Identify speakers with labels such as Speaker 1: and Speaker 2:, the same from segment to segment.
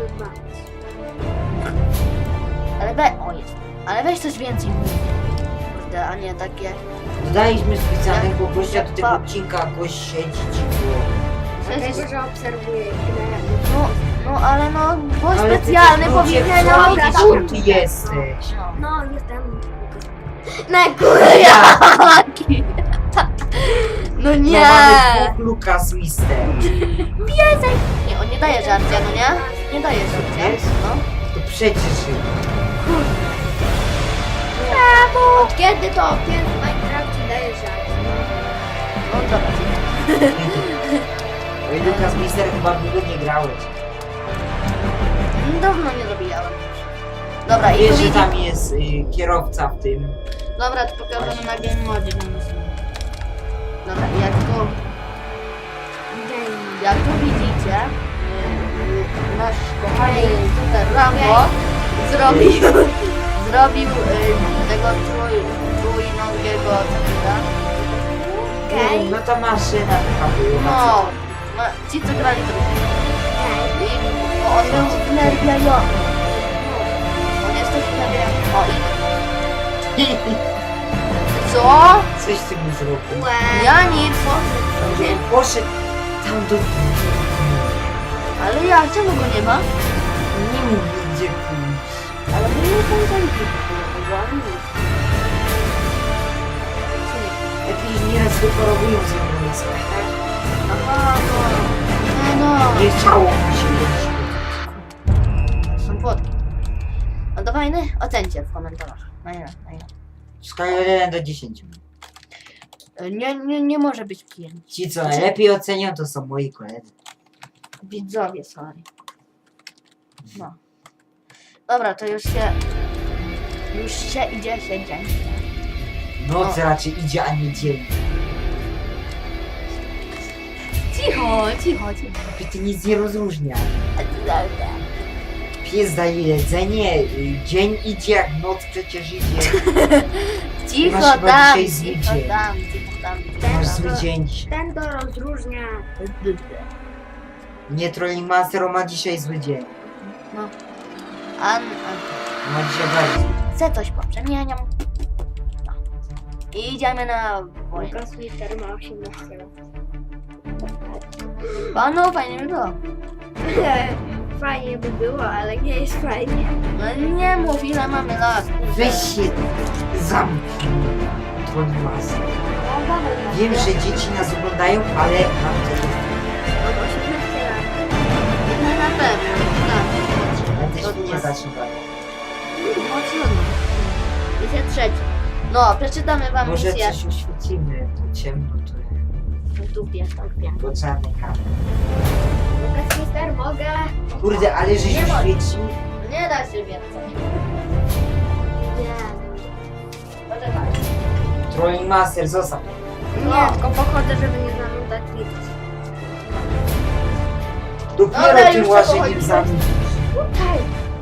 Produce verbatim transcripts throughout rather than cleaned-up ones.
Speaker 1: bawić.
Speaker 2: Ale we... O, jest. Ale weź coś więcej mówi. Kurde, a nie takie...
Speaker 3: Dodaliśmy specjalnego gościa do tego
Speaker 2: Pa-
Speaker 3: odcinka, gość siedzi cicho.
Speaker 1: Dlatego, że obserwuję grę.
Speaker 2: No, no ale no, gość
Speaker 3: Ale ty
Speaker 2: specjalny
Speaker 3: też
Speaker 2: powinien
Speaker 3: ludzie,
Speaker 2: robić.
Speaker 3: co ty, kim ty jesteś?
Speaker 2: No.
Speaker 1: No, jestem.
Speaker 2: Na górę jaki! No nie!
Speaker 3: No mamy dwóch Lukas Mister.
Speaker 2: Piesek! Nie, on nie daje żarcia, no nie? Nie daje żarcia.
Speaker 3: Jest?
Speaker 2: No.
Speaker 3: To przecież...
Speaker 1: Od kiedy to kiedy w Minecrafcie daje żart?
Speaker 2: No dobra.
Speaker 3: Oj, Lukas Mister, chyba długo nie grałeś.
Speaker 2: Dawno nie zabijałem. Dobra, i
Speaker 3: Wiesz,
Speaker 2: tu
Speaker 3: że
Speaker 2: widzi...
Speaker 3: tam jest y, kierowca w tym.
Speaker 2: Dobra, to pokażemy na game modzie. Dobra, i jak tu... Jak tu widzicie, yy, nasz kochany super Rambo zrobił, zrobił yy, tego trój, trójnogiego cebula.
Speaker 1: Okej.
Speaker 3: No to maszyna taka była.
Speaker 2: No, no, ci co grali to
Speaker 1: Okej.
Speaker 2: I bo on był wnerwiający. On jest też wnerwiający. O, i co?
Speaker 3: Coś z tym zrobił.
Speaker 1: Łe.
Speaker 2: Ja nic.
Speaker 3: Poszedł tam do...
Speaker 2: Ale ja, czemu go nie ma?
Speaker 3: Nie mógł gdzie pójść.
Speaker 2: Ale my nie pamiętaliśmy tego, ani nic.
Speaker 3: Jakieś nieraz wyparowują ze mną jest, tak?
Speaker 2: Aha, no. No, no.
Speaker 3: Nie chciało mi się być.
Speaker 2: Są płotki. No to fajny? Ocencie w komentarzach. Na ile, na ile.
Speaker 3: W skali od jeden do dziesięciu.
Speaker 2: Nie, nie, nie może być pięć.
Speaker 3: Ci co najlepiej ocenią to są moi koledzy.
Speaker 2: Widzowie, sorry. No. Dobra, to już się... Już się idzie się dzień.
Speaker 3: Noc
Speaker 2: No.
Speaker 3: raczej idzie, a nie dzień.
Speaker 2: Cicho, cicho, cicho.
Speaker 3: Ty nic nie rozróżnia. Pies daje jedzenie, y, dzień idzie jak noc przecież idzie.
Speaker 2: Cicho
Speaker 3: Masz chyba
Speaker 2: tam,
Speaker 3: dzisiaj zły
Speaker 2: cicho
Speaker 3: dzień.
Speaker 2: tam, cicho tam.
Speaker 3: Masz zły dzień dzisiaj.
Speaker 1: Ten to rozróżnia.
Speaker 3: Nie, Trolling Master on ma dzisiaj zły dzień.
Speaker 2: No. An, an.
Speaker 3: Ma dzisiaj bardziej.
Speaker 2: Chcę coś poprzemieniam. No. I idziemy na wojnę.
Speaker 1: Lukas Mister ma osiemnaście lat.
Speaker 2: O, no fajnie by było.
Speaker 1: Fajnie by było, ale nie jest fajnie.
Speaker 2: No nie mów ile mamy lat.
Speaker 3: Weź się zamknij, Trolling Master. Wiem, że dzieci nas oglądają, ale mam to.
Speaker 1: Mam osiemnaście lat.
Speaker 2: No na pewno. Tak.
Speaker 3: Ja też nie zacznę brać.
Speaker 2: No trudno. Misja trzecia. No, przeczytamy wam
Speaker 3: Może
Speaker 2: misję.
Speaker 3: coś uświecimy, to ciemno to
Speaker 2: W dupie, w dupie.
Speaker 3: po czarnej kamerze.
Speaker 1: Lukas Mister, mogę?
Speaker 3: Kurde, ale żeś
Speaker 2: Nie ma.
Speaker 3: uświecił.
Speaker 2: Nie da się więcej.
Speaker 1: Nie.
Speaker 2: Poczekaj.
Speaker 3: Trolling Master, zostaw.
Speaker 1: Nie, tylko pochodzę, żeby nie zanudzać widzów.
Speaker 3: Dopiero
Speaker 2: Dobra,
Speaker 3: tym
Speaker 2: już
Speaker 3: łaszeniem
Speaker 2: przechodzimy.
Speaker 3: zanudzisz.
Speaker 1: Tutaj.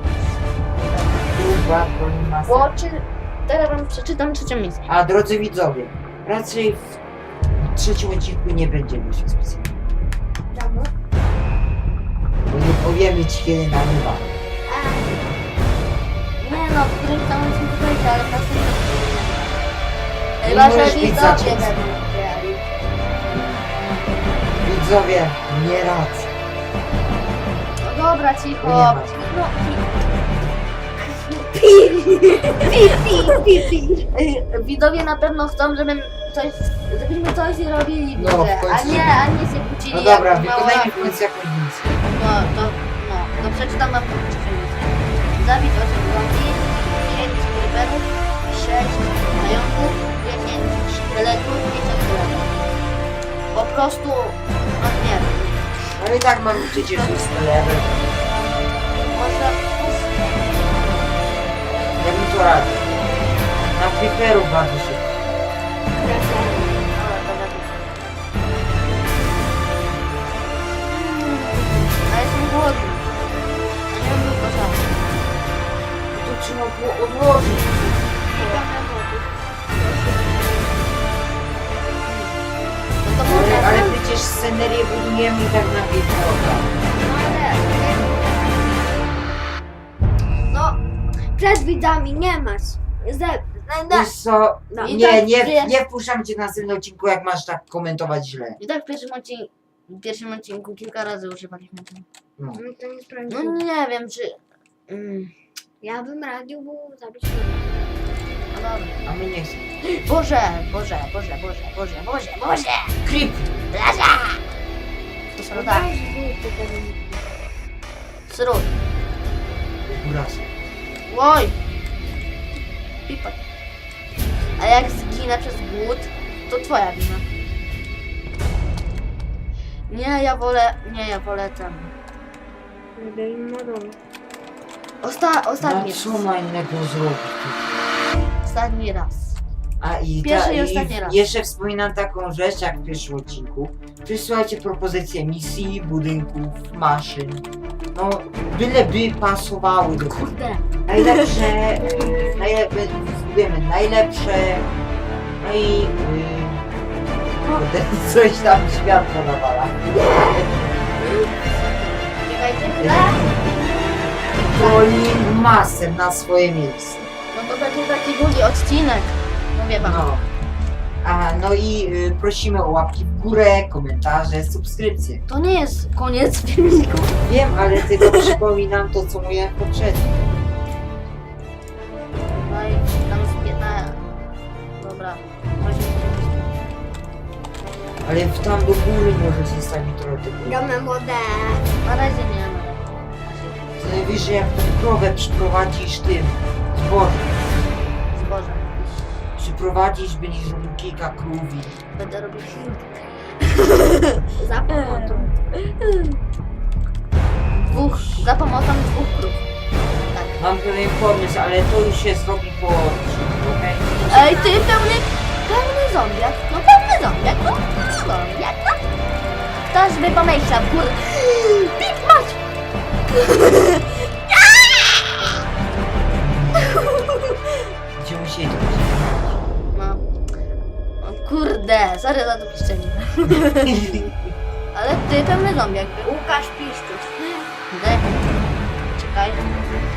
Speaker 3: Kurwa, Trolling Master.
Speaker 2: Bo czy... Teraz wam przeczytam trzecią misję.
Speaker 3: A drodzy widzowie, raczej w trzecim odcinku nie będzie misji specjalnej.
Speaker 1: Czemu?
Speaker 3: Bo nie powiemy ci kiedy nagrywa.
Speaker 2: Nie no, w którymś tam odcinku będzie, ale w następnym odcinku nie.
Speaker 3: Nie
Speaker 2: Chyba, że
Speaker 3: możesz być
Speaker 2: widzowie
Speaker 3: zacięty.
Speaker 2: będą grali.
Speaker 3: Widzowie, nie radzę.
Speaker 2: No dobra, cicho.
Speaker 3: Nie ma.
Speaker 2: No, y, widzowie na pewno chcą, żebym coś, żebyśmy coś robili w
Speaker 3: No,
Speaker 2: grze,
Speaker 3: w końcu.
Speaker 2: a nie, a nie się kłócili.
Speaker 3: No dobra,
Speaker 2: jak mało
Speaker 3: wykonajmy
Speaker 2: lat.
Speaker 3: w końcu jakąś misję.
Speaker 2: No, to, no, to przeczytam wam trzecią misję. Zabić osiem zombie, pięć creeperów, sześć zająków, dziesięć szkieletów, dziesięć szkieletów. Po prostu, no nie wiem,
Speaker 3: Ale i tak mamy przecież już level.
Speaker 2: może...
Speaker 3: Ja bym to radził. Na creeperu bardzo szybko.
Speaker 2: Dobra, to lepiej. Mm, a jestem głodny. A nie mam tylko sam.
Speaker 3: To trzeba było odłożyć.
Speaker 2: No to
Speaker 3: Ale,
Speaker 2: może...
Speaker 3: ale przecież scenerię budujemy i tak na pięć.
Speaker 2: No ale...
Speaker 1: przed widzami nie masz. Ze, no,
Speaker 3: Wiesz co,
Speaker 1: no.
Speaker 2: I
Speaker 3: nie,
Speaker 2: tak
Speaker 3: nie,
Speaker 2: wiesz-
Speaker 3: nie wpuszczam cię na następnym odcinku, jak masz tak komentować źle.
Speaker 2: I tak w pierwszym odcinku, w pierwszym odcinku kilka razy używaliśmy tego.
Speaker 3: No.
Speaker 1: no to nie
Speaker 2: No
Speaker 1: sprawdziłem.
Speaker 2: nie wiem, czy... Mm,
Speaker 1: Ja bym radził mu zabić
Speaker 2: no dobra.
Speaker 3: A my nie chcemy.
Speaker 2: Boże, Boże, Boże, Boże, Boże, Boże, Boże!
Speaker 3: Creep!
Speaker 2: Blaza! To sroda. Sród.
Speaker 3: Uraz.
Speaker 2: Oj! Pipat. A jak zginę przez głód, to twoja wina. Nie, ja wolę... Nie, ja wolę ten... Osta
Speaker 3: No
Speaker 2: ostatni
Speaker 3: co
Speaker 2: raz.
Speaker 3: ma innego zrobić?
Speaker 2: Ostatni raz.
Speaker 3: A i,
Speaker 2: Pierwszy
Speaker 3: ta,
Speaker 2: i
Speaker 3: i
Speaker 2: ostatni raz.
Speaker 3: jeszcze wspominam taką rzecz, jak w pierwszym odcinku. Przysyłajcie propozycje misji, budynków, maszyn. No, byleby pasowały do tego.
Speaker 2: Kurde.
Speaker 3: Najlepsze, y, najlepsze, zbudujemy najlepsze, no i y, kurde, coś tam światło nawala.
Speaker 2: Czekajcie,
Speaker 3: Woli masę na swoje miejsce.
Speaker 2: no to będzie taki długi odcinek. Mówię wam.
Speaker 3: No. A, no i y, prosimy o łapki w górę, komentarze, subskrypcje.
Speaker 2: To nie jest koniec filmiku.
Speaker 3: Wiem, ale tylko przypominam to, co mówiłem poprzednio.
Speaker 2: No i tam z piętnaście. Dobra.
Speaker 3: Ale w tam do góry może się stać trochę tego.
Speaker 1: Gramy wodę.
Speaker 2: Na razie nie ma.
Speaker 3: Co najwyżej jak tą krowę przyprowadzisz tym zbożem.
Speaker 2: Zboże.
Speaker 3: Przyprowadzisz, będziesz robił kilka krów i
Speaker 2: Będę robił film.
Speaker 1: Za pomocą.
Speaker 2: Dwóch, za pomocą dwóch krów. Tak.
Speaker 3: mam pewien pomysł, ale to już się zrobi po odcinku, okej?
Speaker 2: Ej, ty pełny, pełny zombiak. No pełny zombiak, no pełny zombiak, no. Ktoś by pomyślał, kurde. Pip mać!
Speaker 3: Gdzie musieli to
Speaker 2: No. O kurde, sorry za to piszczenie. Ale ty pełny zombiak.
Speaker 1: Łukasz Piszczuś.
Speaker 2: Kurde. Czekaj.